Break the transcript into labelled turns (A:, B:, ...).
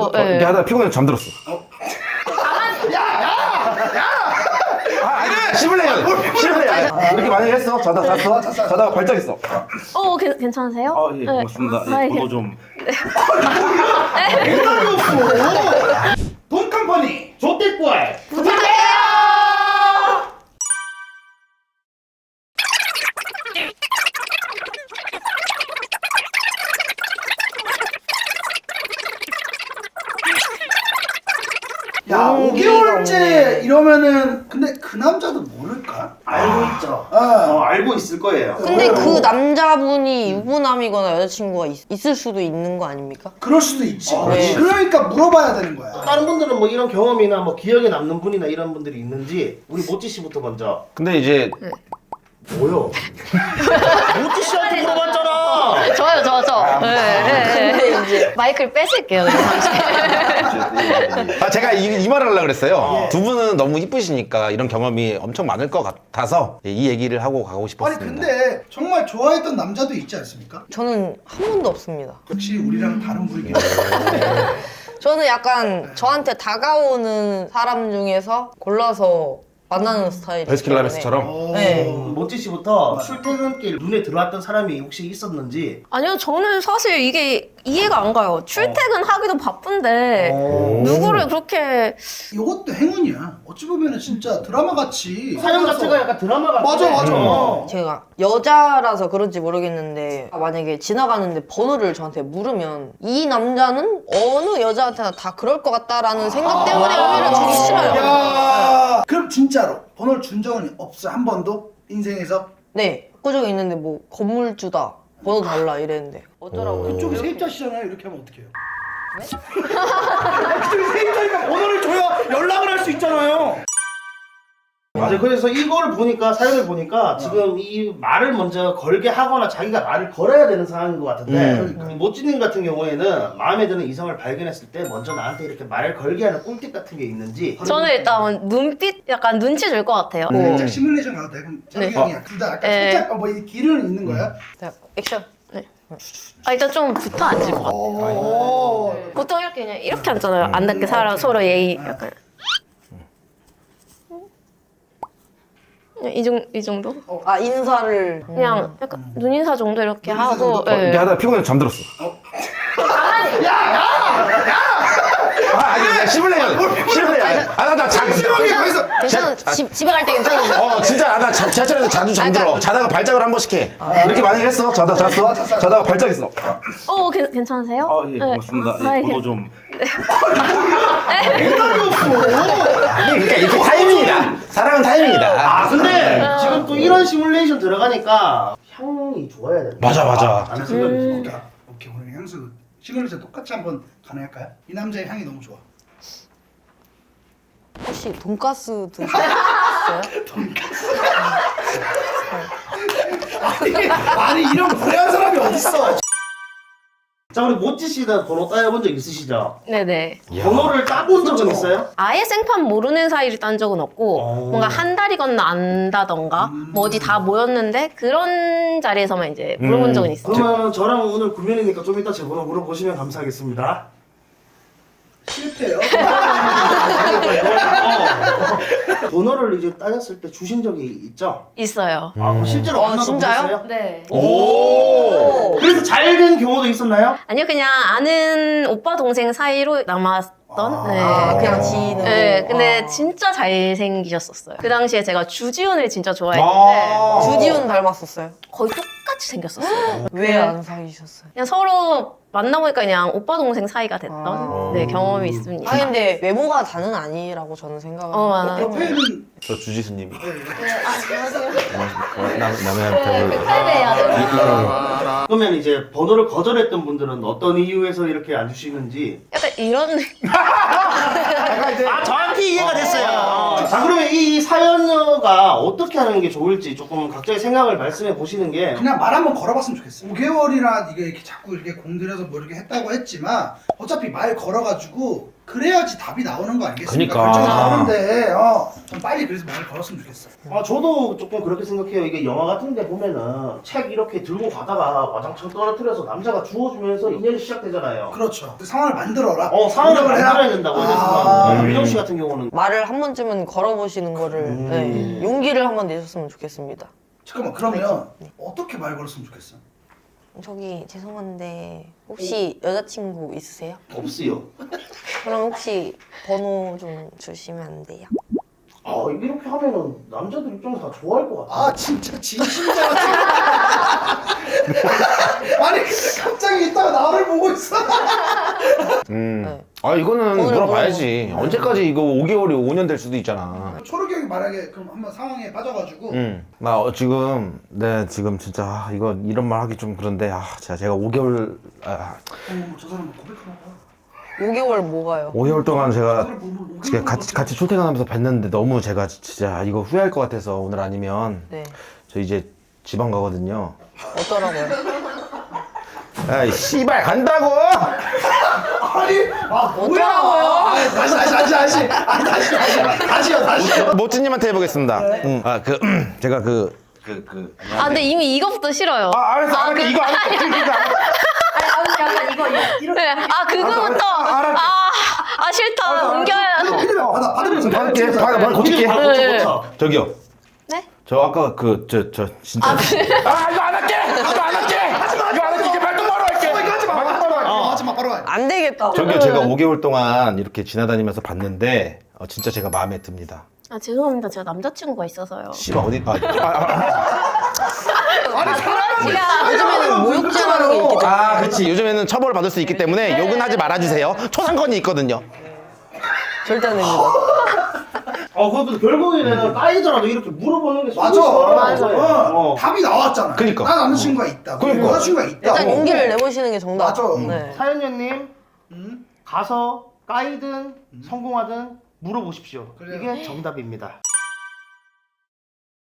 A: 그래서
B: 이렇게 하다가 피곤해서 잠들었어. 씹을래요. 이렇게 많이 했어. 자다가 발작했어.
A: 괜찮으세요?
B: 예, 고맙습니다. 예, 번호 좀.
C: 대답이 없어. 돈 컴퍼니 조태꿀 부탁해요. 야, 5개월째 이러면은 근데 그 남자도 모를까? 알고 있죠. 알고 있을 거예요.
D: 근데 그 남자분이 유부남이거나 여자친구가 있을 수도 있는 거 아닙니까?
C: 그럴 수도 있지.
D: 네.
C: 그러니까 물어봐야 되는 거야.
E: 다른 분들은 뭐 이런 경험이나 뭐 기억에 남는 분이나 이런 분들이 있는지 우리 모찌 씨부터 먼저.
B: 근데 이제
E: 뭐요? 모찌 씨한테 물어봤잖아.
A: 저요.
D: 근데 이제
A: 마이크를 뺏을게요. 그냥 잠시.
B: 제가 이 말을 하려고 그랬어요. 두 분은 너무 이쁘시니까 이런 경험이 엄청 많을 것 같아서 이 얘기를 하고 가고
C: 아니
B: 싶었습니다.
C: 근데 정말 좋아했던 남자도 있지 않습니까?
D: 저는 한 번도 없습니다.
C: 역시 우리랑 다른 부류긴
D: 저는 약간 저한테 다가오는 사람 중에서 골라서 만나는 스타일이기
B: 베스킨라빈스처럼?
D: 네.
E: 모찌 씨부터 출퇴근길 눈에 들어왔던 사람이 혹시 있었는지.
A: 아니요, 저는 사실 이게 이해가 안 가요. 출퇴근하기도 바쁜데 누구를 그렇게
C: 이것도 행운이야. 어찌 보면은 진짜 드라마 같이
E: 사연 자체가 약간 드라마 같아.
C: 맞아.
D: 제가 여자라서 그런지 모르겠는데 만약에 지나가는데 번호를 저한테 물으면 이 남자는 어느 여자한테나 다 그럴 것 같다라는 생각 때문에 오히려 주기 싫어요.
C: 야, 그럼 진짜로 번호를 준 적은 없어 한 번도 인생에서?
D: 네, 꾸준히 있는데 뭐 건물주다 번호 달라 이랬는데 어쩌라고요?
C: 그쪽이 세입자시잖아요. 이렇게 하면 어떡해요? 그쪽이 세입자니까 번호를 줘야 연락을 할 수 있잖아요.
E: 맞아요. 그래서 이걸 보니까 사연을 보니까 지금 이 말을 먼저 걸게 하거나 자기가 말을 걸어야 되는 상황인 것 같은데 모찌님 같은 경우에는 마음에 드는 이성을 발견했을 때 먼저 나한테 이렇게 말을 걸게 하는 꿀팁 같은 게 있는지.
A: 저는 일단 눈빛 약간 눈치 줄 것 같아요.
C: 살짝 시뮬레이션 가도 돼? 그럼 자기 형이야. 둘 다 약간
A: 네.
C: 살짝 뭐 이 길은 있는 거야?
D: 자, 액션.
A: 일단 좀 붙어 앉을 것 같아요. 보통 이렇게 그냥 이렇게 앉잖아요. 안 닿게 서로 예의 약간. 그냥 이 정도?
D: 아 인사를
A: 그냥 약간 눈인사 정도 이렇게 하고.
B: 이렇게
A: 예.
B: 하다가 피곤해서 잠들었어. 아니, 씹을래요. 나
A: 괜찮아. 집에 갈 때 괜찮은데.
B: 진짜 나 지하철에서 자주 잠들어. 자다가 발작을 한 번씩 해. 이렇게 많이 했어. 자다가 발작했어.
A: 괜찮으세요?
B: 예, 고맙습니다.
A: 예.
B: 번호 좀. 그러니까 이게 타이밍이다. 사랑은 타이밍이다.
E: 근데 지금 또 이런 시뮬레이션 들어가니까 향이 좋아야 돼.
B: 맞아.
E: 라는 생각이 듭니다.
C: 오케이 오늘 향수 시뮬레이션 똑같이 한번 가능할까요? 이 남자의 향이 너무 좋아.
D: 혹시 돈가스 드셨어요?
C: 아니 이런 불행한 사람이 어딨어?
E: 자, 우리 모찌 씨는 번호 따여본 적 있으시죠?
A: 네네.
E: 번호를 따본 적은 있어요?
A: 아예 생판 모르는 사이를 딴 적은 없고 뭔가 한 달이 건너 안다던가 뭐 어디 다 모였는데 그런 자리에서만 이제 물어본 적은 있어요.
E: 그러면 저랑 오늘 구면이니까 좀 이따 제 번호 물어보시면 감사하겠습니다.
C: 실패요.
E: 번호를 이제 따졌을 때 주신 적이 있죠?
A: 있어요.
E: 그럼 실제로 만나서
D: 진짜요?
E: 보셨어요?
A: 네.
E: 오! 그래서 잘 된 경우도 있었나요?
A: 아니요, 그냥 아는 오빠 동생 사이로 남았던. 네.
D: 그냥 지인으로.
A: 네, 근데 진짜 잘생기셨었어요. 그 당시에 제가 주지훈을 진짜 좋아했는데
D: 주지훈 닮았었어요.
A: 거의 똑같이 생겼었어요.
D: 왜 안 사귀셨어요?
A: 그냥 서로 만나보니까 그냥 오빠 동생 사이가 됐던 네, 경험이 있습니다.
D: 아 근데 외모가 다는 아니라고 저는 생각을
A: 맞아요.
C: 옆에는
B: 저 주지수님.
A: 안녕하세요.
E: 그러면 이제 번호를 거절했던 분들은 어떤 이유에서 이렇게 안 주시는지.
A: 약간 이런
E: 정확히 이해가 됐어요. 자, 그러면 이 사연녀가 어떻게 하는 게 좋을지 조금 각자의 생각을 말씀해 보시는 게.
C: 그냥 말 한번 걸어봤으면 좋겠어. 5개월이나 이게 이렇게 자꾸 이렇게 공들여서 그래서 뭐 이렇게 했다고 했지만 어차피 말 걸어가지고 그래야지 답이 나오는 거 아니겠습니까?
B: 그러니까.
C: 결정이 나오는데 좀 빨리 그래서 말 걸었으면 좋겠어.
E: 저도 조금 그렇게 생각해요. 이게 영화 같은 데 보면은 책 이렇게 들고 가다가 와장창 떨어뜨려서 남자가 주워주면서 인연이 시작되잖아요.
C: 그렇죠. 그 상황을 만들어라.
E: 상황을
C: 노력을 해라.
E: 만들어야 된다고 이런
C: 아.
E: 생각. 민정 씨 같은 경우는
D: 말을 한 번쯤은 걸어보시는 거를 네, 용기를 한번 내셨으면 좋겠습니다.
C: 잠깐만 그러면 어떻게 말 걸었으면 좋겠어?
D: 저기 죄송한데 혹시 여자친구 있으세요?
E: 없어요.
D: 그럼 혹시 번호 좀 주시면 안 돼요?
E: 이렇게 하면은 남자들 입장에서 다 좋아할 것 같아.
C: 아 진짜 진심자 같은. 아니 근데 갑자기 이따가 나를 보고 있어.
B: 이거는
D: 오늘
B: 물어봐야지. 언제까지 이거 5개월이 5년 될 수도 있잖아.
C: 초록이 형이 만약에 그럼 한번 상황에 빠져가지고
B: 나 지금 지금 진짜 이거 이런 말 하기 좀 그런데 제가 5개월
C: 저 사람 고백하나 봐.
D: 5개월 뭐가요?
B: 5개월 동안 제가
C: 뭐
B: 같이 출퇴근하면서 뵀는데 너무 제가 진짜 이거 후회할 것 같아서 오늘 아니면
D: 네.
B: 저 이제 지방 가거든요.
D: 어떠라고요?
B: 아이 씨발 간다고!
C: 아니 뭐야? 다시요.
B: 모찌님한테 해보겠습니다. 제가
A: 아 근데 이미 이거부터 싫어요.
B: 알았어 이거 안 했어.
A: 약간 이거. 네. 아 그거부터. 싫다. 옮겨야.
C: 받을게.
B: 받아 고칠게.
E: 고쳐.
B: 저기요.
A: 네?
B: 저 아까 진짜. 이거 안 할게. 이거 안 할게. 이거 안 할게. 이제 말도 바로 할게.
C: 하지마 바로 가.
D: 안 되겠다.
B: 저기요 제가 5개월 동안 이렇게 지나다니면서 봤는데 진짜 제가 마음에 듭니다.
A: 아 죄송합니다. 제가 남자친구가 있어서요.
B: 씨발 어디
D: 요즘에는 모욕죄라는 게 있기 때문에
B: 그치 요즘에는 처벌을 받을 수 있기 때문에 욕은 하지 말아주세요. 초상권이 있거든요.
D: 절대 안 됩니다.
E: 그것도 결국에는 까이더라도 이렇게 물어보는 게
C: 맞아. 답이 나왔잖아.
B: 그니까.
C: 나 남자친구가 있다.
B: 그니까.
C: 여자친구가 있다.
D: 일단 용기를 내보시는 게 정답.
C: 맞아.
D: 네.
E: 사연녀님 가서 까이든 성공하든 물어보십시오.
C: 그래요.
E: 이게 정답입니다.